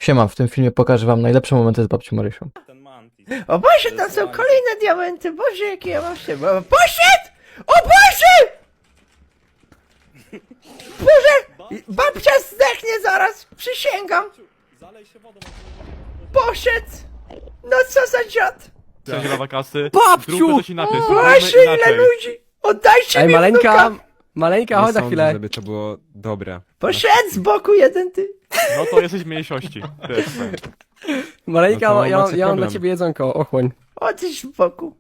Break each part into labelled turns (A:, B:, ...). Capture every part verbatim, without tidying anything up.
A: Siema, w tym filmie pokażę wam najlepsze momenty z babcią Marysią.
B: O Boże, tam są kolejne diamenty, Boże, jakie ja mam się... O, poszedł! O Boże! Boże! Babcia zdechnie zaraz, przysięgam! Poszedł! No co za dziad!
C: Cześć, lawa kasy.
D: Babciu!
C: Zróbmy coś inaczej, spróbujmy
B: Boże, ile
C: inaczej.
B: ludzi! Oddajcie
D: Ej,
B: mi
D: maleńka,
B: wnuka!
D: maleńka,
E: Nie
D: chodź na
E: sądzę,
D: chwilę.
E: żeby to było dobre.
B: Poszedł z boku jeden ty!
C: No to jesteś mniejszości. To jest fajne.
D: Maleńka,
E: No to
D: ja,
E: macie
D: ja mam dla
E: problem.
D: ciebie jedzonko, ochłoń.
B: Odejdź z boku.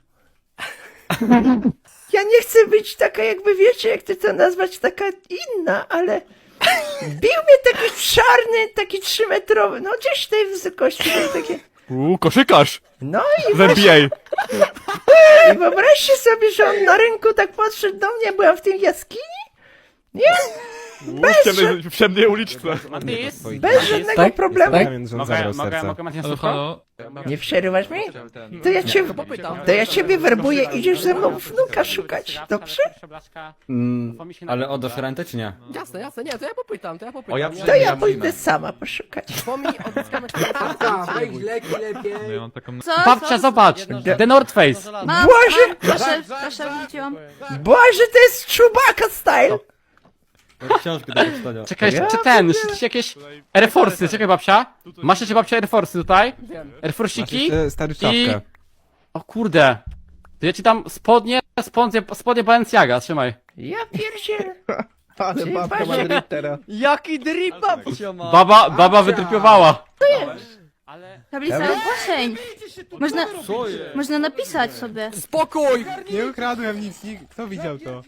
B: Ja nie chcę być taka, jakby wiecie, jak ty to nazwać, taka inna, ale... Bił mnie taki czarny, taki trzymetrowy, no gdzieś tej wysokości, tak takie...
C: Uuu, koszykarz!
B: No i
C: W N B A!
B: I wyobraźcie sobie, że on na rynku tak podszedł do mnie, byłam w tej jaskini? Nie?
C: Uuu, w ciemnej, w ciemnej uliczce.
F: Matis?
B: Bez żadnego
D: Tak?
B: problemu.
D: Tak?
E: Więc on
F: Mogę,
E: zabrał
F: mogę,
E: serce.
F: mogę Matis słówko?
B: Nie przerywasz mi? To ja cię, to ja ciebie werbuję, idziesz ze mną wnuka szukać, dobrze?
G: Mm, ale oddasz rentę czy nie?
D: Jasne, jasne, nie, to ja popytam, to ja popytam.
G: O, ja
D: nie?
B: To ja pójdę sama poszukać.
D: Pomij, odzyskamy leki lepiej.
C: No ja mam taką...
F: Co? Babcia, zobacz! The North Face!
H: Mam,
B: Boże!
H: mam, proszę, proszę, wróciłam.
B: Boże, to jest Chewbacca style!
G: Książkę do przeczytania.
F: Czekaj,
B: Ja
F: czy ten, czy jakieś Air Force'y, czekaj babcia. Masz jeszcze babcia Air Force'y tutaj? Air Force'iki?
E: Jeszcze stary
F: I...
E: czapkę.
F: O kurde. To ja ci tam spodnie, spodnie, spodnie Balenciaga, trzymaj.
B: Ja pierdzielę.
I: Ale
B: Ty,
I: babka ma
B: patrzcie.
I: drip teraz.
G: Jaki drip babcia ma!
F: Baba, baba wytrypiowała.
H: Tablica ogłoszeń. Można,
G: Co jest?
H: można napisać sobie.
D: Spokój!
E: Nie ukradłem nic, nikt- kto widział to?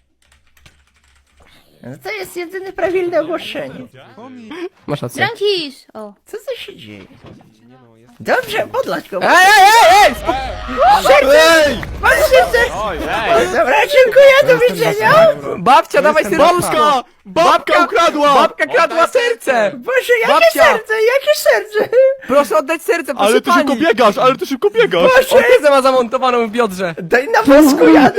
B: No to jest jedyne prawilne ogłoszenie.
D: Masz rację.
H: Frankisz! O.
B: Co to się dzieje? Dobrze, podlać go.
D: Ej, ej, ej, ej!
B: Serce! Pan serce!
C: Oj, ej!
B: Dobra, dziękuję, do widzenia!
D: Babcia, dawaj
E: jestem
D: serduszko!
C: Babka ukradła!
D: Babka kradła serce!
B: Boże, jakie
D: Babcia!
B: serce, jakie serce!
D: Proszę oddać serce, proszę
C: Ale ty
D: pani!
C: szybko biegasz, ale ty szybko biegasz!
D: Ortezę ma zamontowaną w biodrze.
B: Daj na wózku jadę!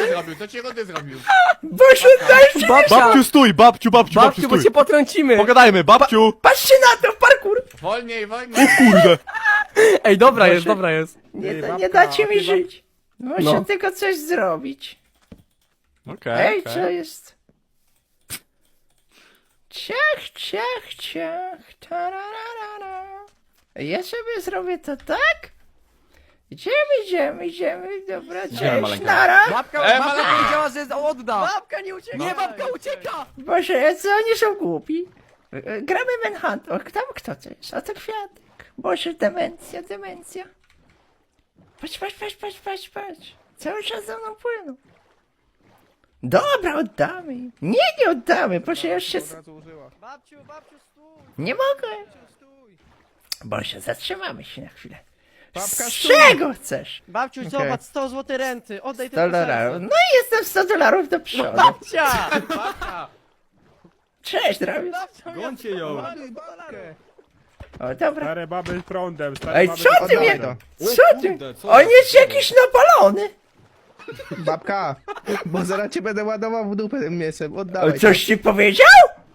B: Boże, dajcie!
D: Babcia,
C: Babciu, stój! Babciu, babciu, babciu,
D: babciu, bo
C: stój!
D: cię potrącimy.
C: Pogadajmy, babciu!
B: Patrzcie na to, parkour!
C: Kurde!
D: Ej, dobra jest, dobra jest.
B: Nie, da, nie dacie mi żyć. Muszę
D: No.
B: tylko coś zrobić.
C: Okej,
B: Ej,
C: okej.
B: co jest? Ciach, ciach, ciach, tararara. Ja sobie zrobię to tak? Idziemy, idziemy, idziemy, dobra, cześć,
G: maleńka.
B: nara.
D: Babka,
C: E,
D: babka
C: mama!
D: powiedziała, że odda.
B: Babka nie ucieka.
D: Nie, babka ucieka!
B: Boże, co oni są głupi? E, Gramy Manhunt. O, tam kto to jest? A to kwiatek. Boże, demencja, demencja. Patrz, patrz, patrz, patrz, patrz, patrz. Cały czas za mną płyną. Dobra, oddamy im. Nie, nie oddamy, proszę, ja już się... s- Nie mogę. Boże, zatrzymamy się na chwilę. Z czego chcesz?
I: Babciu, zobacz, sto złotych renty, oddaj
B: sto
I: te
B: dolarów. No i jestem sto dolarów do przodu.
D: Babcia!
B: Cześć, drogi.
G: Gońcie ją!
B: O, dobra.
I: Stare baby prądem, stare
B: Ej,
I: baby
B: co ty
I: Oddawaj
B: mnie...
I: to.
B: Co ty?
G: Kurde, co
B: On
G: za-
B: jest jakiś napalony.
I: Babka, bo zaraz cię będę ładował w dupę tym mięsem,
B: O,
I: oddawaj.
B: coś ci powiedział?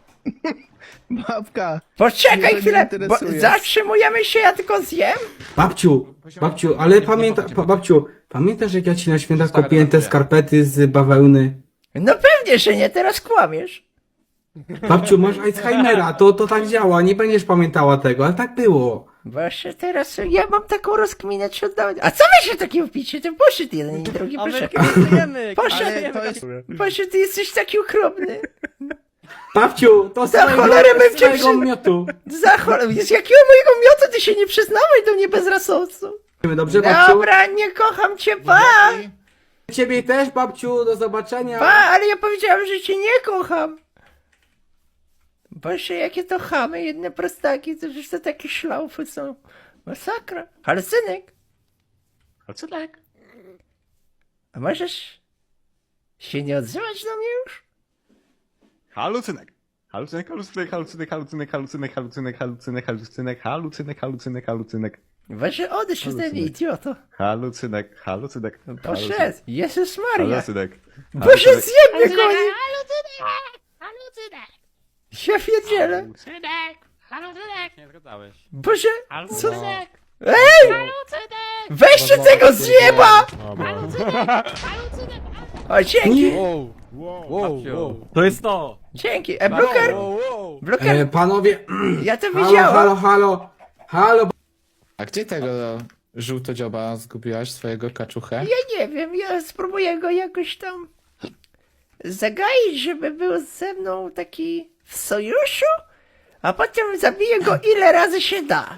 I: Babka,
B: Poczekaj
I: Mnie to nie
B: chwilę, bo
I: interesuje.
B: zatrzymujemy się, ja tylko zjem.
J: Babciu, babciu, ale pamięta, pa, babciu, pamiętasz jak ja ci na święta kupiłem te skarpety z bawełny?
B: No pewnie, że nie, teraz kłamiesz.
J: Babciu, masz Alzheimera, to, to tak działa, nie będziesz pamiętała tego, ale tak było.
B: Właśnie teraz ja mam taką rozkminę, czy oddawać. A co wy się takie wpicie? To poszedł jeden i drugi poszedł. Poszedł,
I: ale to jest...
B: poszedł, ty jesteś taki okropny.
J: Babciu, to z
B: Za
J: twojego-
B: cholerę bym
J: z
B: cię
J: twojego
B: przy-
J: miotu.
B: Za cholerę, z jakiego mojego miotu ty się nie przyznawaj do mnie bezrasowcu.
J: Dobrze, babciu?
B: Dobra, nie kocham cię, pa!
J: Ciebie też, babciu, do zobaczenia.
B: Pa, ale ja powiedziałam, że cię nie kocham. Boże, jakie to chamy, jedne prostaki, to już to takie szlaufy są. Masakra. Ale synek,
C: A co tak?
B: a możesz się nie odzywać do mnie już?
C: Halucynek. Halucynek, halucynek, halucynek, halucynek, halucynek, halucynek, halucynek, halucynek, halucynek, halucynek, halucynek.
B: Boże, odejdź ode mnie, idioto.
C: Halucynek, halucynek,
B: Poszedł, Jezus Maria.
C: halucynek.
B: Boże, zjem mnie, koni. Ja pierdzielę.
F: Halucynek! Nie zgadzałeś.
B: Boże,
F: Halucynek!
B: ej!
F: Halucynek!
B: Weźcie tego z nieba!
F: Halucynek!
B: O, dzięki,
G: Wow, wow, wow.
D: To jest to.
B: dzięki. E, Bluker, Bluker,
J: E, panowie,
B: ja to
J: halo,
B: widziałem.
J: halo, halo, halo.
I: A gdzie tego żółtodzioba zgubiłaś, swojego kaczuchę?
B: Ja nie wiem, ja spróbuję go jakoś tam zagaić, żeby był ze mną taki w sojuszu, a potem zabiję go ile razy się da.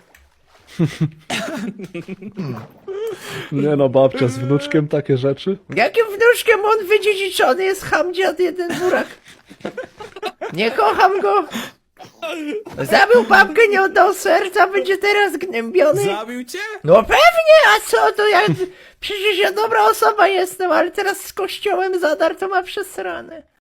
A: Nie no, babcia z wnuczkiem takie rzeczy.
B: Jakim wnuczkiem on wydziedziczony jest hamdziad jeden burak. Nie kocham go. Zabił babkę, nie oddał serca, będzie teraz gnębiony.
E: Zabił cię?
B: No pewnie, a co to ja... Przecież ja dobra osoba jestem, ale teraz z kościołem zadar to ma przesrane.